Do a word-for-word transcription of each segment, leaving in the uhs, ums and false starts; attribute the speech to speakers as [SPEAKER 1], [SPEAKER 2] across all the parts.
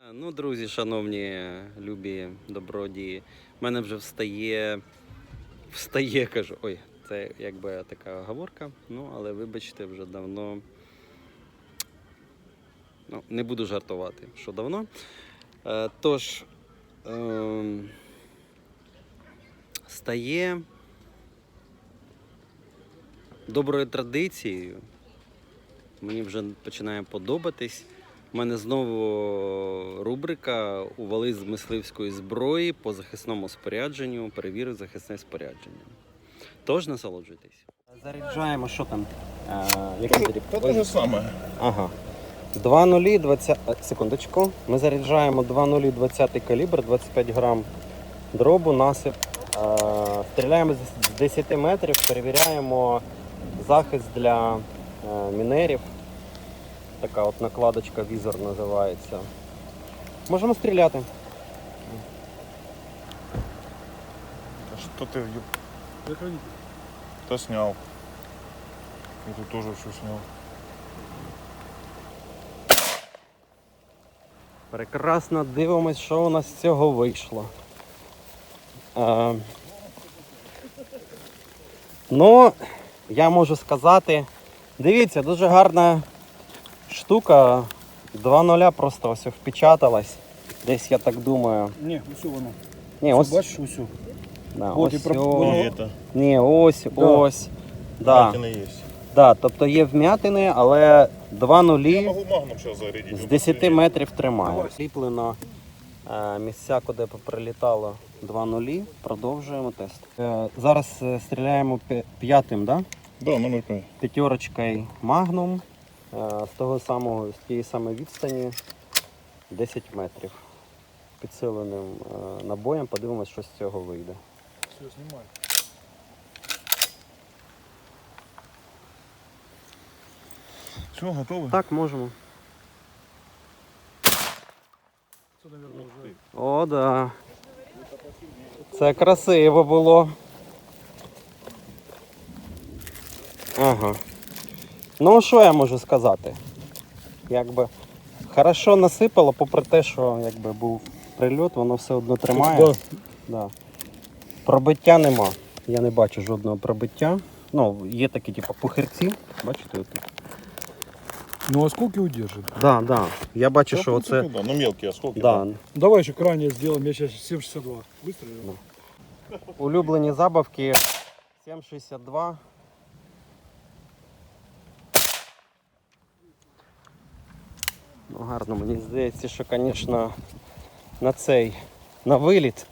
[SPEAKER 1] Ну, друзі, шановні, любі, добродії, в мене вже встає, встає, кажу, ой, це якби така оговорка, ну, але вибачте, вже давно, ну, не буду жартувати, що давно. Е, тож, е, стає доброю традицією, мені вже починає подобатись. У мене знову рубрика «Ували з мисливської зброї по захисному спорядженню, перевірив захисне спорядження». Тож насолоджуйтесь. Заряджаємо, що там? А, який заряд?
[SPEAKER 2] Та те ж саме.
[SPEAKER 1] Ага. два нулі, двадцять... Секундочку. Ми заряджаємо два нулі, двадцять калібр, двадцять п'ять грам дробу, насип. А, стріляємо з десяти метрів, перевіряємо захист для а, мінерів. Така от накладочка, візор називається. Можемо стріляти.
[SPEAKER 2] Что ты Кто снял? Я тут тоже все снял.
[SPEAKER 1] Прекрасно дивимось, що у нас з цього вийшло. А, ну, я можу сказати, дивіться, дуже гарна штука. два нуля просто ось впечаталась. Десь, я так думаю.
[SPEAKER 3] Ні, усю воно.
[SPEAKER 1] Ні, ось.
[SPEAKER 3] Бачиш, усю.
[SPEAKER 1] Да,
[SPEAKER 3] От і
[SPEAKER 1] ось,
[SPEAKER 3] про-
[SPEAKER 1] о,
[SPEAKER 3] воно-
[SPEAKER 2] И это.
[SPEAKER 1] ні, ось,
[SPEAKER 3] Да.
[SPEAKER 1] ось. Да,
[SPEAKER 2] Вмятины есть.
[SPEAKER 1] да, тобто є вмятини, але два
[SPEAKER 2] Я
[SPEAKER 1] нулі
[SPEAKER 2] могу магнум сейчас зарядить.
[SPEAKER 1] з
[SPEAKER 2] он
[SPEAKER 1] десяти
[SPEAKER 2] посильнее.
[SPEAKER 1] метрів тримає.
[SPEAKER 3] Давай.
[SPEAKER 1] Сліплено е, місця, куди прилітало два нулі. Продовжуємо тест. Е, зараз е, стріляємо п'я- п'ятим, да?
[SPEAKER 2] Да, номер пять.
[SPEAKER 1] П'ятерочкою Magnum е, з того самого, з тієї самої відстані десять метрів. Підсиленим е, набоєм, подивимось, що з цього вийде.
[SPEAKER 3] Все, знімай.
[SPEAKER 2] Все, готовы?
[SPEAKER 1] Так, можемо.
[SPEAKER 3] Це, мабуть, вже.
[SPEAKER 1] О, да. Це красиво було. Ага. Ну, що я можу сказати? Якби хорошо насипало, попри те, що якби був прильот, воно все одно тримає.
[SPEAKER 3] Да.
[SPEAKER 1] Да. Пробиття нема. Я не бачу жодного пробиття. Ну, є такі, типу, пухирці. Бачите, отут.
[SPEAKER 3] Ну, осколки удержит.
[SPEAKER 1] Да, да. Я бачу,
[SPEAKER 2] Да,
[SPEAKER 1] що
[SPEAKER 2] в
[SPEAKER 1] оце.
[SPEAKER 2] принципе, да. Ну, мелкие осколки.
[SPEAKER 1] Да.
[SPEAKER 3] Давай еще крайне сделаем. Я сейчас сім шістдесят два выстрелил.
[SPEAKER 1] Улюблені забавки сім шістдесят два. Ну, гарно, мені здається, що, звісно, на цей, на виліт.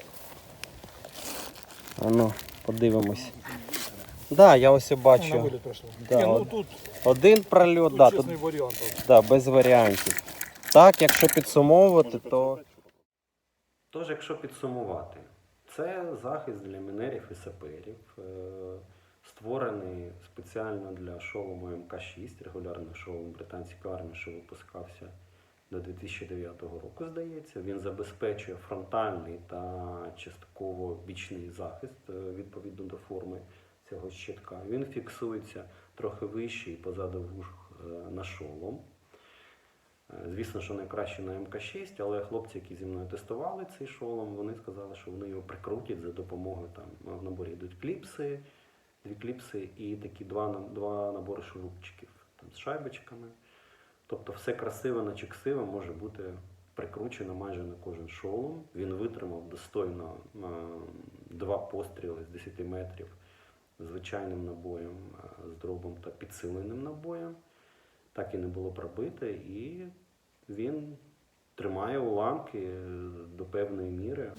[SPEAKER 1] А ну, подивимось. Так, да, я ось і
[SPEAKER 3] На
[SPEAKER 1] бачу.
[SPEAKER 3] вылет прошло.
[SPEAKER 1] Да,
[SPEAKER 3] Не, ну
[SPEAKER 1] от-
[SPEAKER 3] тут,
[SPEAKER 1] Один прольот,
[SPEAKER 3] тут
[SPEAKER 1] да, тут,
[SPEAKER 3] честный вариант.
[SPEAKER 1] да, без варіантів. Так, якщо підсумовувати, то... Тож, якщо підсумувати, це захист для мінерів і саперів, е, створений спеціально для шолому ем ка шість, регулярний шолом британської армії, що випускався до дві тисячі дев'ятого року, здається. Він забезпечує фронтальний та частково бічний захист е, відповідно до форми цього щитка. Він фіксується трохи вище і позаду вух е, на шолом. Звісно, що найкраще на ем ка шість, але хлопці, які зі мною тестували цей шолом, вони сказали, що вони його прикрутять за допомогою, там в наборі йдуть кліпси, дві кліпси і такі два, два набори шурупчиків там, з шайбочками. Тобто все красиве, наче ксиве може бути прикручено майже на кожен шолом. Він витримав достойно е, два постріли з десяти метрів звичайним набоєм, е, з дробом та підсиленим набоєм. Так і не було пробито, і він тримає уламки до певної міри.